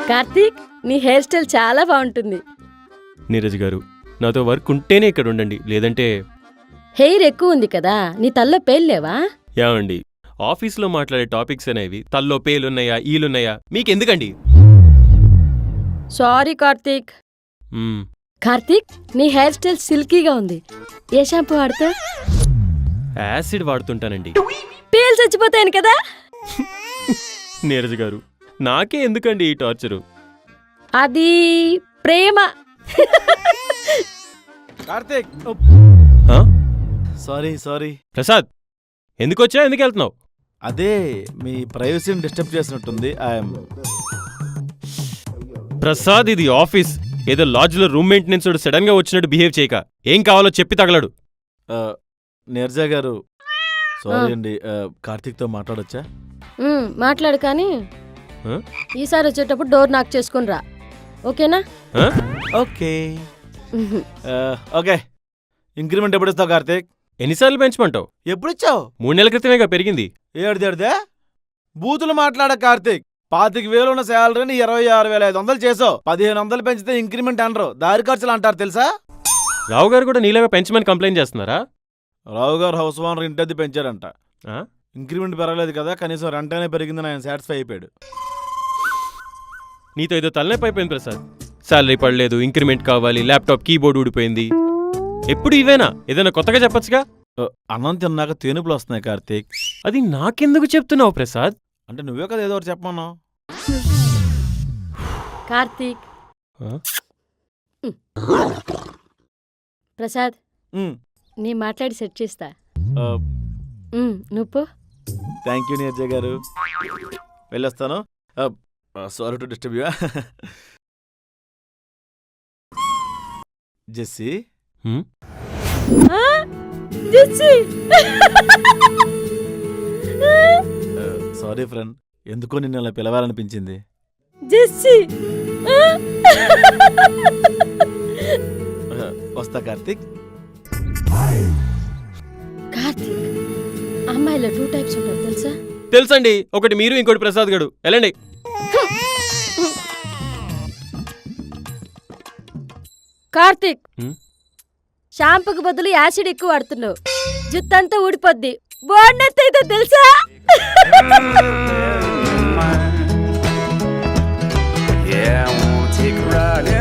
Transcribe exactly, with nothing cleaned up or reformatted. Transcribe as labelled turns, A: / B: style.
A: కార్తీక్, నీ hair style చాలా బాగుంటుంది.
B: నీరజ్ గారు, నాతో వర్క్ ఉంటేనే ఇక్కడ ఉండండి, లేదంటే
A: హెయిర్ ఎక్కువ ఉంది కదా, నీ తల్లో పేర్లేవా?
B: యావండి, ఆఫీస్లో మాట్లాడే టాపిక్స్ అనేవి తల్లో పేలున్నాయా ఈలున్నాయా మీకెందుకండి?
A: సారీ కార్తీక్.
B: మ్మ్.
A: కార్తీక్, నీ హెయిర్ స్టైల్ సిల్కీగా ఉంది. ఏ షాంపూ వాడతా?
B: యాసిడ్ వాడుతుంటానండి.
A: పేలు చచ్చిపోతాయని కదా.
B: నీరజ్ గారు, నాకే ఎందుకండి ఈ టార్చరు?
A: అది ప్రేమ.
C: కార్తీక్,
B: ఆ?
C: Sorry sorry.
B: ప్రసాద్, ఎందుకొచ్చా ఎందుకు వెళ్తున్నావు?
C: అదే మీ ప్రైవసీని డిస్టర్బ్ చేసినట్టుంది. ఐఎమ్
B: ప్రసాద్, ఇది ఆఫీస్. ఏదో లాడ్జ్లో రూమ్ మెయింటెనెన్స్ సడన్ గా వచ్చినట్టు బిహేవ్ చేయక. ఏం కావాలో చెప్పి తగలడు.
C: నీరజా గారు, సారీ అండి. కార్తీక్తో మాట్లాడొచ్చా?
A: ఉమ్, మాట్లాడు కానీ
B: ఆ?
A: ఈసారి వచ్చేటప్పుడు డోర్ నాక్ చేసుకుని రా, ఓకేనా?
B: ఆ?
C: Okay okay. ఇంక్రిమెంట్ ఎప్పుడు ఇస్తావు కార్తీక్?
B: ఎన్నిసార్లు పెంచమంటావు?
C: ఎప్పుడు ఇచ్చావు?
B: మూడు నెలల క్రితమేగా పెరిగింది.
C: ఏడుదేడుదే బూతులు మాట్లాడ కార్తీక్. పాతిక వేలు ఉన్న శాలరీని ఇరవై ఆరు వేల ఐదు వందలు చేసావు. పదిహేను వందలు పెంచితే ఇంక్రిమెంట్ అనరు, దారి ఖర్చులు అంటారు తెలుసా?
B: రావు గారు కూడా నీలాగా పెంచమని కంప్లైంట్ చేస్తున్నారా?
C: రావు గారు హౌస్ ఓనర్ ఇంటది పెంచారంట.
B: ఆ?
C: ఇంక్రిమెంట్ పెరగలేదు కదా, కనీసం రెంట్ అయినా పెరిగిందని ఆయన సాటిస్ఫై అయిపోయాడు.
B: నీతో ఏదో తలనొప్పి అయిపోయింది ప్రసాద్. శాలరీ పడలేదు, ఇంక్రిమెంట్ కావాలి, ల్యాప్టాప్ కీబోర్డ్ ఊడిపోయింది. ఎప్పుడు ఇవేనా? ఏదైనా కొత్తగా చెప్పొచ్చుగా.
C: ఆ, అన్నం తిన్నాక తేనుపులు వస్తున్నాయి కార్తీక్.
B: అది నాకెందుకు చెప్తున్నావు ప్రసాద్?
C: అంటే నువ్వే కదా ఏదో ఒకటి చెప్పమన్నావు.
A: కార్తీక్.
B: ఆ?
A: ప్రసాద్,
C: ఉమ్,
A: నీ మాట్లాడి సెట్ చేస్తా.
C: ఆ,
A: ఉమ్, నువ్వు
C: థ్యాంక్ యూ నీరజ గారు, వెళ్ళొస్తాను. Sorry to disturb you. Jessie,
B: hmm?
C: Sorry friend, ఎందుకో నిన్ను అలా పిలవాలనిపించింది.
A: జెస్సీ.
C: ఆ, వస్తా కార్తీక్.
A: కార్తీక్, అమ్మాయిలో టూ టైప్స్ ఉంటారు తెలుసా?
B: తెలుసండి, ఒకటి మీరు, ఇంకోటి ప్రసాద్ గడు. వెళ్ళండి.
A: కార్తీక్,
B: హ్మ్?
A: షాంపూకి బదులు యాసిడ్ ఎక్కువ వాడుతున్నావు. జుత్తంతా ఊడిపోద్ది. బోర్నెత్ అయితే తెలుసా?
D: Yeah, I wanna take a ride.